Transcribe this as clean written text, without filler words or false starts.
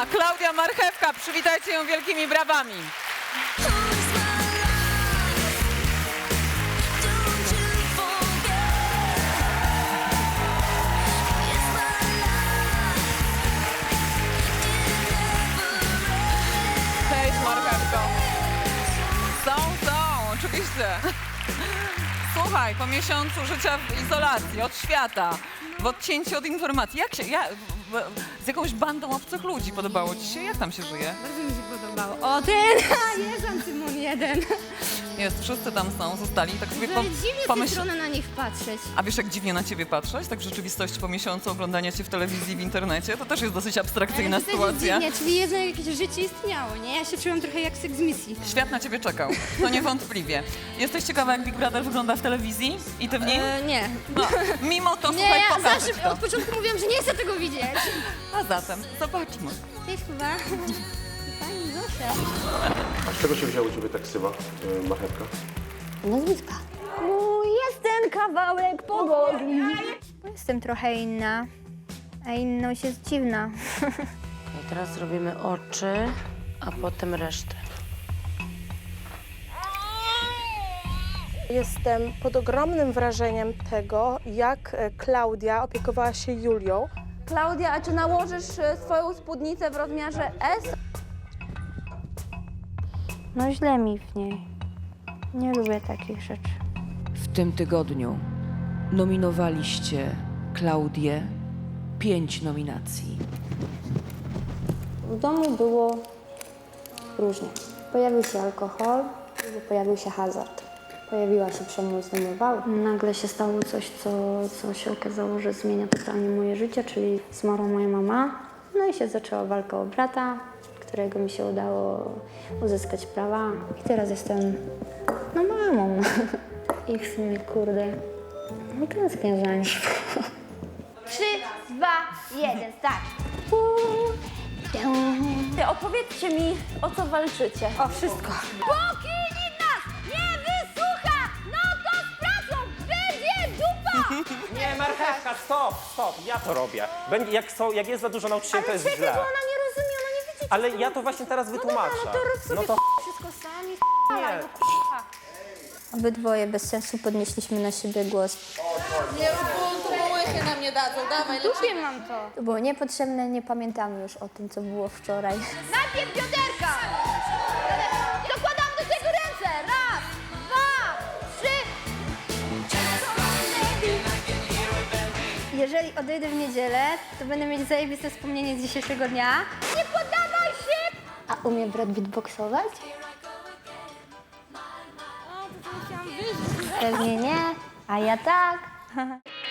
Klaudia Marchewka, przywitajcie ją wielkimi brawami. Cześć Marchewko. Są, oczywiście. Słuchaj, po miesiącu życia w izolacji, od świata, w odcięciu od informacji, z jakąś bandą obcych ludzi podobało ci się? Jak tam się żyje? Bardzo mi się podobało. O, jest Antymon 1. Jest, wszyscy tam są, zostali. Tak sobie Dziwnie z tej strony na nich patrzeć. A wiesz, jak dziwnie na ciebie patrzeć? Tak w rzeczywistości po miesiącu oglądania cię w telewizji, w internecie? To też jest dosyć abstrakcyjna Ale to też sytuacja. jest dziwnie, czyli jednak jakieś życie istniało, nie? Ja się czułam trochę jak seks z misji. Świat na ciebie czekał, to niewątpliwie. Jesteś ciekawa, jak Big Brother wygląda w telewizji? I ty w nim? Nie. No, mimo to, Nie, słuchaj, ja pokażę ci zawsze to. od początku mówiłam, że nie chcę tego widzieć. A zatem, zobaczmy. Cześć chyba. Pani Zosia. A z czego się wziął u ciebie tak ksywa, marchewka? Nazwiska. Jestem kawałek powoli. Jestem trochę inna, a inność jest dziwna. I teraz robimy oczy, a potem resztę. Jestem pod ogromnym wrażeniem tego, jak Klaudia opiekowała się Julią. Klaudia, a czy nałożysz swoją spódnicę w rozmiarze S? No źle mi w niej. Nie lubię takich rzeczy. W tym tygodniu nominowaliście Klaudię 5 nominacji. W domu było różnie. Pojawił się alkohol, pojawił się hazard. Pojawiła się przemoc domowa. Nagle się stało coś, co się okazało, że zmienia totalnie moje życie, czyli zmarła moja mama. No i się zaczęła walka o brata, którego mi się udało uzyskać prawa. I teraz jestem, no, mamą. I w sumie, kurde, no tęsknię za nim. 3, 2, 1, start. Opowiedzcie mi, o co walczycie. O, wszystko. Póki nikt nas nie wysłucha, no to z pracą będzie dupa! Nie, marchewka, stop, ja to robię. Jak jest za dużo nauczycieli, to jest źle. Ona nie rozumie, ona nie widzi. Ale ja to właśnie teraz wytłumaczę. No to rób sobie wszystko sami, nie. Obydwoje bez sensu podnieśliśmy na siebie głos. Lubię mam to. To było niepotrzebne, nie pamiętamy już o tym, co było wczoraj. Najpierw bioderka! Dokładam do tego ręce. Raz, 2, 3. Jeżeli odejdę w niedzielę, to będę mieć zajebiste wspomnienie z dzisiejszego dnia. Nie poddawaj się! A umie brat beatboxować? Pewnie nie, a ja tak.